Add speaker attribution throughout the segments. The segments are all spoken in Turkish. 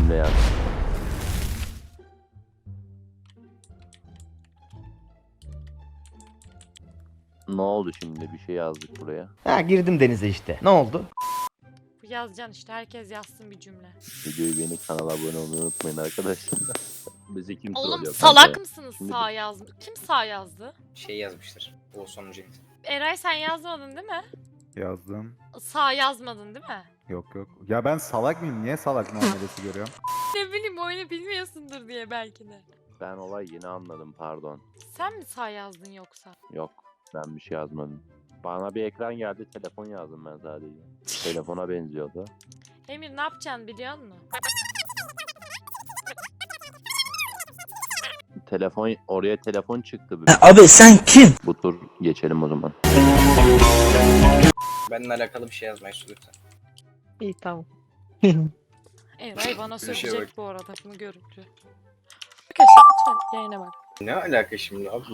Speaker 1: cümle yaz. Ne oldu şimdi? Bir şey yazdık buraya.
Speaker 2: Ha girdim denize işte. Ne oldu?
Speaker 3: Yazacaksın işte, herkes yazsın bir cümle.
Speaker 1: Videoyu beğenip kanala abone olmayı unutmayın arkadaşlar. Bizi kim
Speaker 3: Oğlum
Speaker 1: trollüyor
Speaker 3: salak
Speaker 1: kanka?
Speaker 3: mısınız
Speaker 1: Şimdi
Speaker 3: sağ yazmış? Kim sağ yazdı?
Speaker 4: Şey yazmıştır. O sonucu.
Speaker 3: Eray sen yazmadın değil mi?
Speaker 5: Yazdım.
Speaker 3: Sağ yazmadın değil mi?
Speaker 5: Yok yok. Ya ben salak mıyım? Niye salak muamelesi görüyorum?
Speaker 3: Ne bileyim, oyunu bilmiyorsundur diye belki de.
Speaker 1: Ben olay yeni anladım, pardon.
Speaker 3: Sen mi sağ yazdın yoksa?
Speaker 1: Yok, ben bir şey yazmadım. Bana bir ekran geldi, telefon yazdım ben sadece. Telefona benziyordu.
Speaker 3: Emir ne yapacaksın biliyor musun?
Speaker 1: Telefon, oraya telefon çıktı.
Speaker 6: Abi sen kim?
Speaker 1: Bu tur geçelim o zaman.
Speaker 4: Benimle alakalı bir şey yazmayı lütfen.
Speaker 7: İyi tamam.
Speaker 3: Eray bana
Speaker 4: Bir şey
Speaker 3: söyleyecek
Speaker 4: bak.
Speaker 3: bu arada bunu görüntü. Arkadaşlar lütfen yayına bak.
Speaker 4: Ne alaka şimdi abi?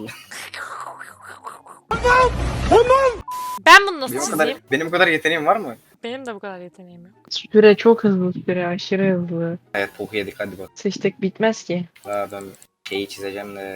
Speaker 3: Ben bunu nasıl
Speaker 4: Benim
Speaker 3: çizeyim?
Speaker 4: kadar, benim kadar yeteneğim var mı?
Speaker 3: Benim de bu kadar yeteneğim yok.
Speaker 7: Süre çok hızlı, süre aşırı hızlı.
Speaker 4: Evet boku yedik hadi bak.
Speaker 7: Seçtik bitmez ki.
Speaker 4: Daha ben şeyi çizeceğim de.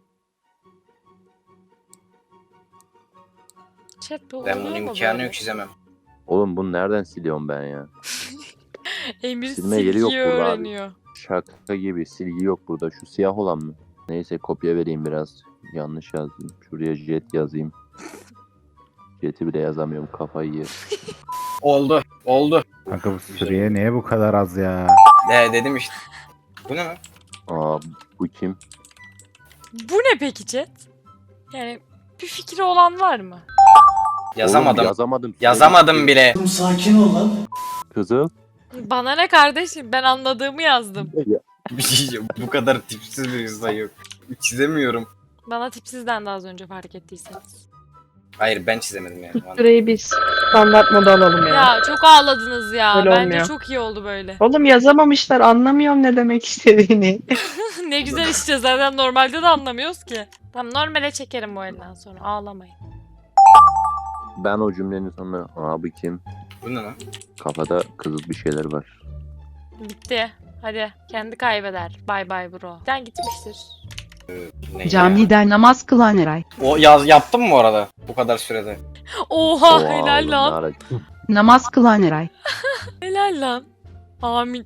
Speaker 3: Chat bu
Speaker 4: Ben
Speaker 3: oluyor
Speaker 4: bunun
Speaker 3: mu
Speaker 4: imkanı
Speaker 3: böyle?
Speaker 4: yok çizemem.
Speaker 1: Oğlum bunu nereden siliyorum ben ya?
Speaker 3: Emir
Speaker 1: Silme yeri yok
Speaker 3: silgiyi
Speaker 1: burada abi.
Speaker 3: öğreniyor.
Speaker 1: Şaka gibi silgi yok burada. Şu siyah olan mı? Neyse kopya vereyim biraz. Yanlış yazdım. Şuraya jet yazayım. Jet'i bile yazamıyorum, kafayı yer.
Speaker 4: Oldu. Oldu.
Speaker 5: Kanka bu süreye niye bu kadar az ya?
Speaker 4: Dedim işte. Bu ne lan?
Speaker 1: Aa, bu kim?
Speaker 3: Bu ne peki chat? Yani bir fikri olan var mı?
Speaker 4: Yazamadım.
Speaker 1: Oğlum, yazamadım.
Speaker 4: Yazamadım bile.
Speaker 1: Kızıl.
Speaker 3: Bana ne kardeşim, ben anladığımı yazdım.
Speaker 4: Bir şey diyeceğim, bu kadar tipsiz bir insan yok. Çizemiyorum.
Speaker 3: Bana tipsizden de az önce fark ettiyseniz.
Speaker 4: Hayır ben çizemedim yani.
Speaker 7: Süreyi biz standart moda alalım ya.
Speaker 3: Ya çok ağladınız ya.
Speaker 7: Öyle
Speaker 3: Bence
Speaker 7: olmuyor.
Speaker 3: çok iyi oldu böyle.
Speaker 7: Oğlum yazamamışlar, anlamıyorum ne demek istediğini.
Speaker 3: Ne güzel işte, zaten normalde de anlamıyoruz ki. Tamam, normale çekerim bu elden sonra, ağlamayın.
Speaker 1: Ben o cümlenin sonuna aa bu kim?
Speaker 4: Bu ne lan?
Speaker 1: Kafada kızıl bir şeyler var.
Speaker 3: Bitti. Hadi kendi kaybeder. Bay bay bro. Sen gitmiştir.
Speaker 4: Ne ya?
Speaker 6: Camide namaz kılan Eray.
Speaker 4: O yaptım mı bu arada? Bu kadar sürede.
Speaker 3: Oha,
Speaker 1: Oha,
Speaker 3: helal
Speaker 1: oğlum,
Speaker 3: lan.
Speaker 1: ne ara-
Speaker 6: Namaz kılan Eray.
Speaker 3: Helal lan. Amin.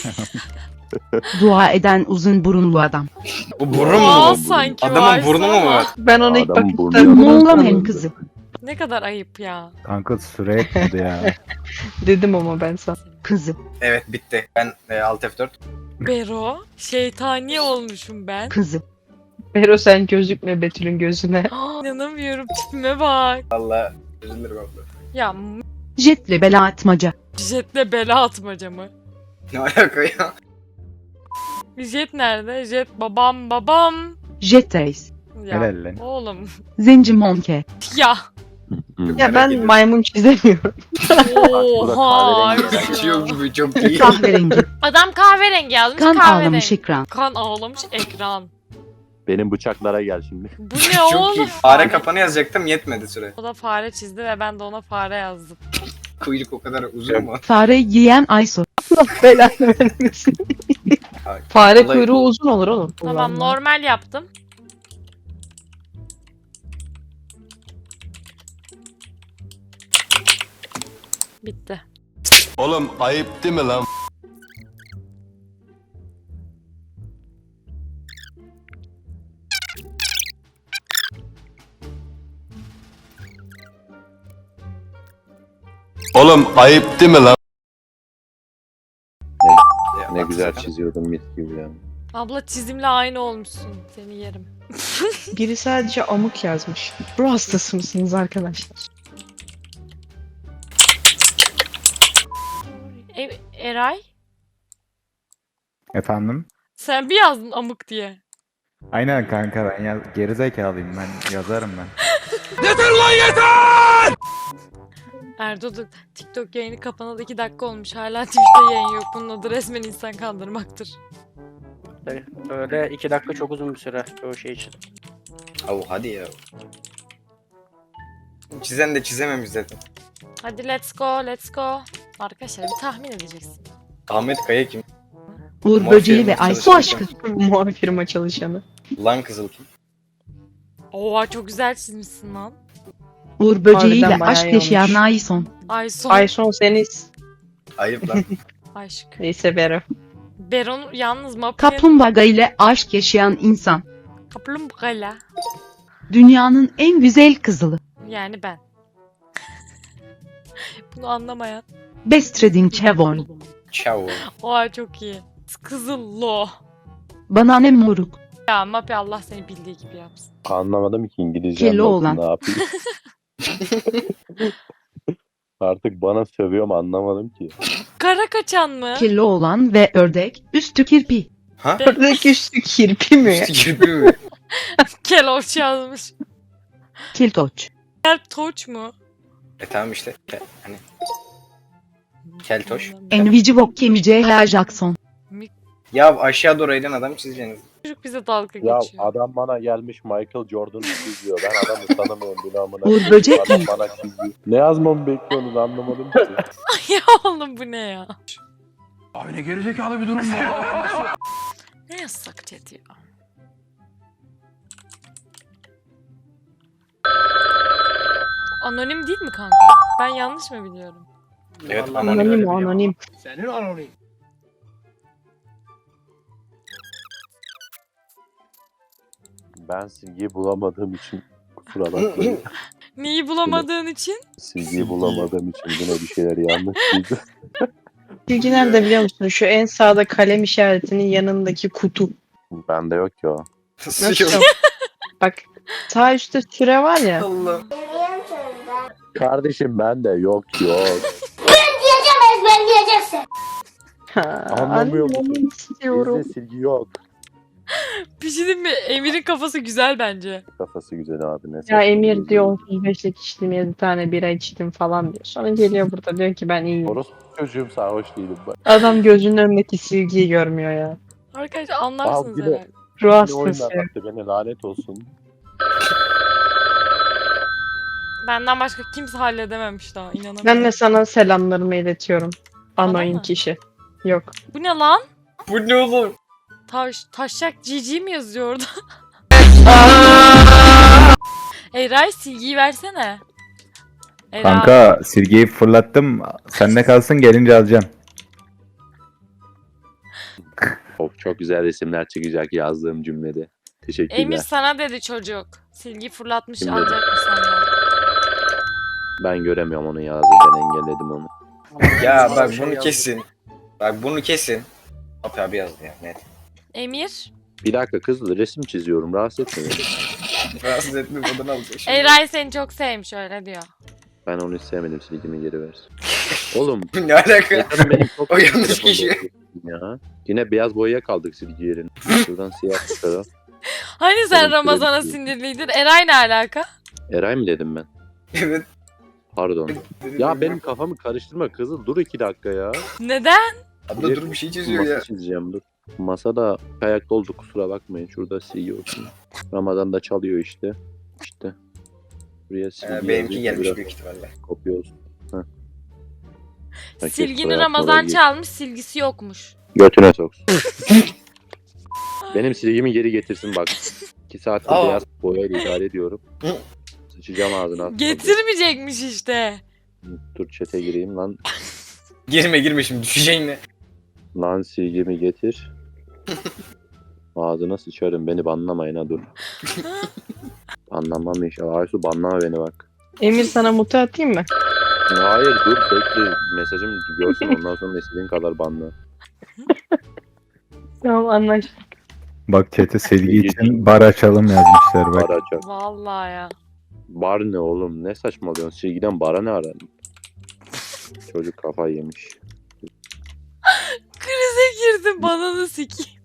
Speaker 6: Dua eden uzun burunlu adam.
Speaker 4: Bu burun
Speaker 3: Aa,
Speaker 4: mu?
Speaker 3: sanki
Speaker 4: Adamın
Speaker 3: varsa
Speaker 4: burnu mu
Speaker 3: ama.
Speaker 4: var?
Speaker 7: Ben ona ilk
Speaker 1: Adamın burnu
Speaker 7: bakışta
Speaker 1: yok.
Speaker 6: Moğolların kızı.
Speaker 3: Ne kadar ayıp ya.
Speaker 5: Kanka süre yetmedi ya.
Speaker 7: dedim ama ben sana.
Speaker 6: Kızı.
Speaker 4: Evet bitti. Ben Alt F4.
Speaker 3: Bero. Şeytani olmuşum ben.
Speaker 6: Kızı.
Speaker 7: Bero sen gözükme Betül'ün gözüne.
Speaker 3: İnanamıyorum, tipime bak.
Speaker 4: Valla üzülürüm abla.
Speaker 3: Ya
Speaker 6: Jetle bela atmaca.
Speaker 3: jetle bela atmaca mı?
Speaker 4: Ne alaka ya?
Speaker 3: Jet nerede? Jet babam.
Speaker 6: Jet reis.
Speaker 3: Ya
Speaker 5: Helal lan.
Speaker 3: oğlum.
Speaker 6: Zenci monke.
Speaker 3: Ya.
Speaker 1: Hı.
Speaker 7: Ya
Speaker 4: Merak
Speaker 7: ben
Speaker 4: ediyorum.
Speaker 7: maymun çizemiyorum.
Speaker 3: Oha.
Speaker 1: kahverengi
Speaker 3: ya.
Speaker 4: Kaçıyor gibi çok iyi.
Speaker 6: Kahverengi.
Speaker 3: Adam kahverengi yazmış.
Speaker 6: Kan
Speaker 3: kahverengi.
Speaker 6: ağlamış ekran.
Speaker 3: Kan ağlamış ekran.
Speaker 1: Benim bıçaklara gel şimdi.
Speaker 3: Bu ne
Speaker 4: Çok iyi.
Speaker 3: oğlum?
Speaker 4: Fare kapanı yazacaktım yetmedi süre.
Speaker 3: O da fare çizdi ve ben de ona fare yazdım.
Speaker 4: Kuyruk o kadar uzun mu?
Speaker 6: Fare yiyen Aysu.
Speaker 7: Belanı vermesin.
Speaker 4: Ay,
Speaker 7: Fare
Speaker 4: vallahi-
Speaker 7: kuyruğu uzun olur oğlum.
Speaker 3: Tamam,
Speaker 7: Ulan.
Speaker 3: normal yaptım. Bitti.
Speaker 8: Oğlum ayıp değil mi lan? Oğlum ayıp değil mi lan?
Speaker 4: Ya,
Speaker 1: Ne
Speaker 4: bak
Speaker 1: güzel
Speaker 4: sana.
Speaker 1: çiziyordum mis gibi ya.
Speaker 3: Abla çizimle aynı olmuşsun. Seni yerim.
Speaker 7: Biri sadece amık yazmış. Ruh hastası mısınız arkadaşlar?
Speaker 3: Eray?
Speaker 5: Efendim?
Speaker 3: Sen bir yazdın amık diye.
Speaker 5: Aynen kanka ben gerizekalıyım ben yazarım ben.
Speaker 3: Erdo da TikTok yayını kapanalı 2 dakika olmuş. Hala Twitch'te yayın yok. Bunun adı resmen insan kandırmaktır.
Speaker 9: Öyle 2 dakika çok uzun bir süre o şey için.
Speaker 4: Avu hadi ya. Çizen de çizememiş zaten.
Speaker 3: Hadi let's go, let's go. Arkadaşlar bir tahmin edeceksin.
Speaker 4: Ahmet Kaya kim?
Speaker 6: Uğur
Speaker 4: Mor
Speaker 6: böceği
Speaker 4: firma
Speaker 6: ve Aysu
Speaker 4: çalışan
Speaker 6: aşkı.
Speaker 7: Mor firma çalışanı.
Speaker 4: Lan kızıl kim?
Speaker 3: Oha çok güzel çizmişsin lan.
Speaker 6: Uğur böceğiyle
Speaker 7: Harbiden bayağı
Speaker 6: aşk
Speaker 7: iyi
Speaker 6: yaşayan
Speaker 7: olmuş.
Speaker 6: Ayson.
Speaker 3: Ayson.
Speaker 7: Ayson seniz.
Speaker 4: Ayıp lan.
Speaker 3: Aşk.
Speaker 7: Neyse Bero.
Speaker 3: Beron yalnız Mappi'nin
Speaker 6: Kaplumbağa ile aşk yaşayan insan.
Speaker 3: kaplumbağayla.
Speaker 6: Dünyanın en güzel kızılı.
Speaker 3: Yani ben. Bunu anlamayan.
Speaker 6: Bestreding Chevon.
Speaker 4: Ciao.
Speaker 3: Oha çok iyi. Kızıllo.
Speaker 6: Bana ne moruk.
Speaker 3: Ya Mappi Allah seni bildiği gibi yapsın.
Speaker 1: Anlamadım ki İngilizce
Speaker 6: Keloğlan.
Speaker 1: ne yapayım. Artık bana sövüyor mu anlamadım ki.
Speaker 3: Kara kaçan mı?
Speaker 6: Keloğlan ve ördek üstü kirpi.
Speaker 4: Ha?
Speaker 7: Buradaki üstü kirpi mi?
Speaker 4: Üstü kirpi mi?
Speaker 3: Keloç yazmış.
Speaker 6: Kiltoç.
Speaker 3: Keltoç mu?
Speaker 4: Tamam işte. Hani. Keltoş.
Speaker 6: Envici Vok Kemice H. Jackson.
Speaker 4: Ya aşağı doğru eğlen adam çizeceğiniz.
Speaker 3: Çocuk bize dalga
Speaker 1: Ya
Speaker 3: geçiyor.
Speaker 1: adam bana gelmiş Michael Jordan çiziyor. Ben adamı tanımıyorum bile amına.
Speaker 6: Uğur böcek
Speaker 1: Adam
Speaker 6: değil.
Speaker 1: bana çiziyor. Ne yazmamı bekliyorsunuz anlamadım ki.
Speaker 3: Ya oğlum bu ne ya?
Speaker 8: Abi ne gerizekalı bir durum bu.
Speaker 3: Ne yazsak chat ya? Anonim değil mi kanka? Ben yanlış mı biliyorum?
Speaker 4: Evet
Speaker 7: Anonim o anonim.
Speaker 8: Senin anonim.
Speaker 1: Ben silgiyi bulamadığım için kusura bakmayın.
Speaker 3: Neyi bulamadığın için?
Speaker 1: Silgiyi bulamadığım için yine bir şeyler yanlış çizdim.
Speaker 7: Bilgi nerede biliyor musun? Şu en sağda kalem işaretinin yanındaki kutu.
Speaker 1: Bende yok ki o.
Speaker 7: Nasıl yok? Bak sağ üstte süre var ya.
Speaker 4: Allah.
Speaker 1: Kardeşim bende yok yok.
Speaker 7: Ha,
Speaker 1: Anlamıyor musun?
Speaker 7: anlamak istiyorum.
Speaker 1: Bizde silgi yok.
Speaker 3: Bir şey diyeyim mi? Emir'in kafası güzel bence.
Speaker 1: Kafası güzel abi ne
Speaker 7: Ya
Speaker 1: saçma
Speaker 7: Emir
Speaker 1: bir
Speaker 7: diyor 35'lik içtim 7 tane bira içtim falan diyor. Sonra geliyor burada diyor ki ben iyiyim.
Speaker 1: Orospu çocuğum sarhoş değilim ben.
Speaker 7: Adam gözünün önündeki silgiyi görmüyor ya.
Speaker 3: Arkadaşlar anlarsınız
Speaker 1: Al, bir de-
Speaker 3: herhalde.
Speaker 7: Ruh
Speaker 1: Ne
Speaker 7: hastası.
Speaker 1: oyunlar attı beni lanet olsun.
Speaker 3: Benden başka kimse halledememiş daha inanamıyorum.
Speaker 7: Ben de sana selamlarımı iletiyorum.
Speaker 3: Bana
Speaker 7: Anonim
Speaker 3: mı?
Speaker 7: kişi. Yok.
Speaker 3: Bu ne lan?
Speaker 4: Bu ne oğlum?
Speaker 3: Taşak GG mi yazıyor orada? Eray silgiyi versene. Eray.
Speaker 5: Kanka silgiyi fırlattım. Sende kalsın gelince alacağım.
Speaker 1: Of çok güzel resimler çıkacak yazdığım cümlede. Teşekkürler.
Speaker 3: Emir sana dedi çocuk. Silgi fırlatmış
Speaker 1: Kim
Speaker 3: alacak mı senden?
Speaker 1: Ben göremiyorum onu yazdığını, ben engelledim onu.
Speaker 4: Ya bak bunu kesin. Bak bunu kesin. Abi yazdı ya net.
Speaker 3: Emir.
Speaker 1: Bir dakika kızla resim çiziyorum rahatsız etme beni.
Speaker 4: Rahatsız etme odana alacak şimdi.
Speaker 3: Eray seni çok sevmiş öyle diyor.
Speaker 1: Ben onu hiç sevmedim silgimi geri ver. Oğlum.
Speaker 4: Ne alaka?
Speaker 1: Yeter benim çok
Speaker 4: O yanlış
Speaker 1: telefonda
Speaker 4: kişi.
Speaker 1: okuyorsun Ya. Yine beyaz boyaya kaldık silgi yerine. Şuradan siyah çıkaralım.
Speaker 3: Hani sen
Speaker 1: Oğlum,
Speaker 3: Ramazan'a
Speaker 1: sürekli-
Speaker 3: sinirliydin? Eray ne alaka?
Speaker 1: Eray mı dedim ben?
Speaker 4: Evet.
Speaker 1: Pardon. Ya benim kafamı karıştırma kızıl dur 2 dakika ya.
Speaker 3: Neden?
Speaker 4: Abla dur bir şey çiziyor
Speaker 1: Masa
Speaker 4: ya.
Speaker 1: çizeceğim dur. Masada ayakta oldu kusura bakmayın. Şurada silgi olsun. Ramazan da çalıyor işte. İşte. Buraya silgi
Speaker 4: Benimki
Speaker 1: yazıyor,
Speaker 4: gelmiş
Speaker 1: biraz
Speaker 4: büyük ihtimalle.
Speaker 1: kopya olsun. Herkes
Speaker 3: Silgini
Speaker 1: soyad
Speaker 3: Ramazan
Speaker 1: oraya gir.
Speaker 3: çalmış, silgisi yokmuş.
Speaker 1: Götüne soksun. Benim silgimi geri getirsin bak. 2 saattir
Speaker 4: Aa.
Speaker 1: beyaz boyayla idare ediyorum. Sıçacağım ağzına.
Speaker 3: Getirmeyecekmiş işte.
Speaker 1: Dur chat'e gireyim lan.
Speaker 4: Girme şimdi düşeceğin ne?
Speaker 1: Lan silgimi getir. Ağzına sıçarım beni banlamayın ha dur. Banlamam inşallah. Aysu banlama beni bak.
Speaker 7: Emir sana mutu atayım mı?
Speaker 1: Hayır dur bekle mesajım görsün ondan sonra istediğin kadar banla.
Speaker 7: Tamam anlaştık.
Speaker 5: Bak chat'e silgi için bar açalım yazmışlar bak.
Speaker 1: Bar açar.
Speaker 3: Vallahi ya.
Speaker 1: Bar ne oğlum ne saçmalıyorsun silgiden bara ne aran? Çocuk kafayı yemiş.
Speaker 3: Krize girdim bana da sikeyim.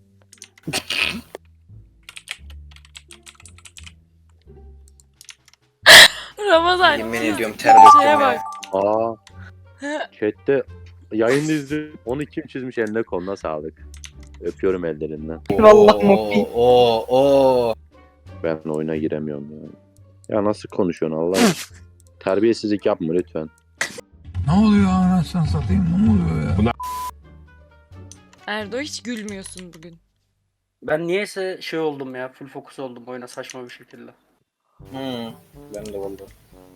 Speaker 3: Ramazan
Speaker 4: Yemin
Speaker 3: çiz-
Speaker 4: ediyorum ter döktüm
Speaker 3: şeye
Speaker 4: ya.
Speaker 3: bak.
Speaker 1: Aa chatte yayını izledim. Onu kim çizmiş eline koluna sağlık. Öpüyorum ellerinden.
Speaker 7: Vallahi Moppi.
Speaker 4: Oo.
Speaker 1: Ben oyuna giremiyorum ya. Ya nasıl konuşuyorsun Allah aşkına? Terbiyesizlik yapma lütfen.
Speaker 8: Ne oluyor anasını satayım ne oluyor ya?
Speaker 3: Erdo hiç gülmüyorsun bugün.
Speaker 9: Ben niyeyse şey oldum ya. Full fokus oldum oyuna saçma bir şekilde.
Speaker 4: Ben de vallahi.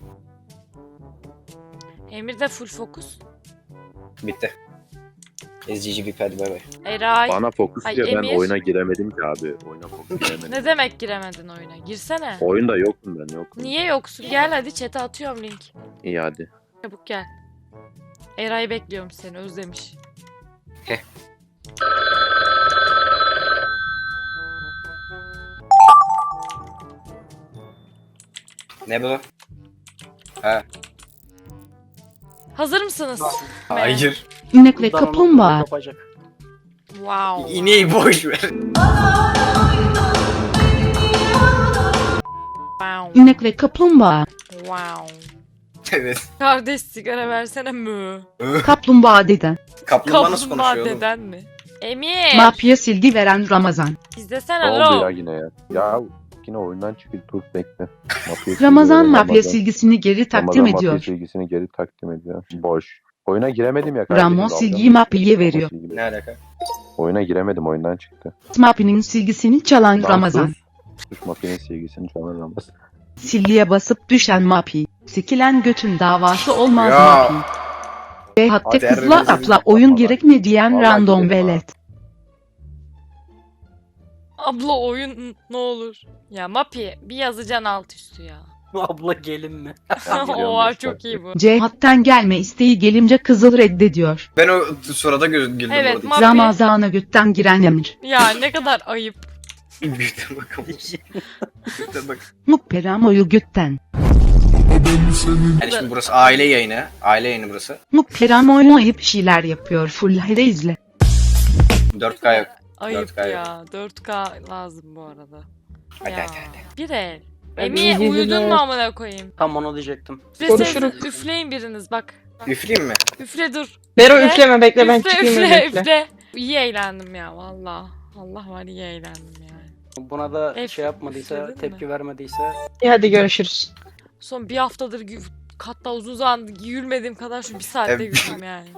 Speaker 3: Emir de full fokus.
Speaker 4: Bitti. SGG bir hadi bay bay.
Speaker 3: Eray.
Speaker 1: Bana fokus
Speaker 3: Ay,
Speaker 1: diye ben
Speaker 3: Emir.
Speaker 1: oyuna giremedim ki abi. Oyuna fokus giremedim.
Speaker 3: Ne demek giremedin oyuna? Girsene.
Speaker 1: Oyunda yokum ben yokum.
Speaker 3: Niye yoksun? Gel hadi chat'e atıyorum link.
Speaker 1: İyi hadi.
Speaker 3: Çabuk gel. Eray bekliyorum seni özlemiş.
Speaker 4: Ne bu? Ha.
Speaker 3: Hazır mısınız?
Speaker 4: Hayır.
Speaker 6: İnekle
Speaker 9: Buradan onu
Speaker 6: kaplumbağa.
Speaker 9: kapacak.
Speaker 3: Wow.
Speaker 4: İneği boş ver.
Speaker 3: Wow.
Speaker 6: İnekle kaplumbağa.
Speaker 3: Wow.
Speaker 4: Evet.
Speaker 3: Kardeş sigara versene mü?
Speaker 6: Kaplumbağa deden.
Speaker 4: Kaplumbağa nasıl
Speaker 3: Kaplumbağa
Speaker 4: konuşuyor oğlum?
Speaker 3: deden mi? Emir.
Speaker 6: Mapya silgi veren Ramazan.
Speaker 3: İzlesene
Speaker 1: Ne oldu ya
Speaker 3: lo.
Speaker 1: yine ya? Ya yine oyundan çıktı. Dur bekle. Mafya
Speaker 6: Ramazan
Speaker 1: silgisi,
Speaker 6: mapya silgisini geri takdim
Speaker 1: Ramazan
Speaker 6: ediyor.
Speaker 1: mafya silgisini geri takdim ediyor. Boş. Oyuna giremedim ya.
Speaker 6: Ramo
Speaker 1: dalga
Speaker 6: silgiyi
Speaker 1: mı?
Speaker 6: mapya'ya veriyor.
Speaker 1: Silgi-
Speaker 4: Ne alaka?
Speaker 1: Oyuna giremedim oyundan çıktı.
Speaker 6: Mapya'nın silgisini çalan
Speaker 1: Lan
Speaker 6: Ramazan.
Speaker 1: sus. Sus mafyanın silgisini çalan Ramazan.
Speaker 6: Silgiye basıp düşen mapya. Sikilen götün davası olmaz
Speaker 4: Ya.
Speaker 6: mapya. Ve hatta
Speaker 4: Hadi
Speaker 6: kızla
Speaker 4: Erdoğan'ı
Speaker 6: atla oyun
Speaker 1: Vallahi-
Speaker 6: gerekme diyen
Speaker 1: Vallahi
Speaker 6: random
Speaker 1: gidelim ha.
Speaker 6: velet.
Speaker 3: Abla oyun ne olur. Ya Mapi bir yazacaksın alt üstü ya.
Speaker 9: Abla gelin mi?
Speaker 1: Ben geliyorum
Speaker 3: Oha
Speaker 1: beş
Speaker 3: çok
Speaker 1: dakika.
Speaker 3: iyi bu.
Speaker 6: Cihattan gelme isteği gelince kızıl reddediyor.
Speaker 4: Ben o sırada güldüm
Speaker 3: Evet,
Speaker 4: orada.
Speaker 3: Mapi.
Speaker 6: Ramazan'a götten giren Emir.
Speaker 3: Ya ne kadar ayıp.
Speaker 4: Büyükten bakalım. Büyükten bak.
Speaker 6: Mukperamoyu götten.
Speaker 4: Yani şimdi burası aile yayını. Aile yayını burası.
Speaker 6: Mukperamoyu ayıp şeyler yapıyor. Full hayde izle.
Speaker 4: 4K yok.
Speaker 3: Ayıp
Speaker 4: 4K yok.
Speaker 3: ya. 4K lazım bu arada.
Speaker 4: Hadi
Speaker 3: Ya.
Speaker 4: hadi hadi.
Speaker 3: Bir el.
Speaker 9: Ben
Speaker 3: Emir
Speaker 7: iyi
Speaker 3: uyudun
Speaker 7: geceler.
Speaker 3: mu amına koyayım?
Speaker 9: Tam onu diyecektim.
Speaker 3: Üfleseniz
Speaker 7: Konuşuruz.
Speaker 3: üfleyin biriniz bak.
Speaker 4: Üfleyeyim mi?
Speaker 3: Üfle dur.
Speaker 7: Bero
Speaker 3: Üfle.
Speaker 7: üfleme bekle ben
Speaker 3: Üfle
Speaker 7: çıkayım
Speaker 3: üfle
Speaker 7: öyle üfle.
Speaker 3: üfle. İyi eğlendim ya valla. Allah var iyi eğlendim yani.
Speaker 9: Buna da
Speaker 3: Ef-
Speaker 9: şey yapmadıysa,
Speaker 3: üfledin mi?
Speaker 9: tepki vermediyse
Speaker 7: İyi hadi görüşürüz.
Speaker 3: Son bir haftadır hatta uzun zaman gülmediğim kadar şu bir saatte
Speaker 4: Evet.
Speaker 3: güldüm yani.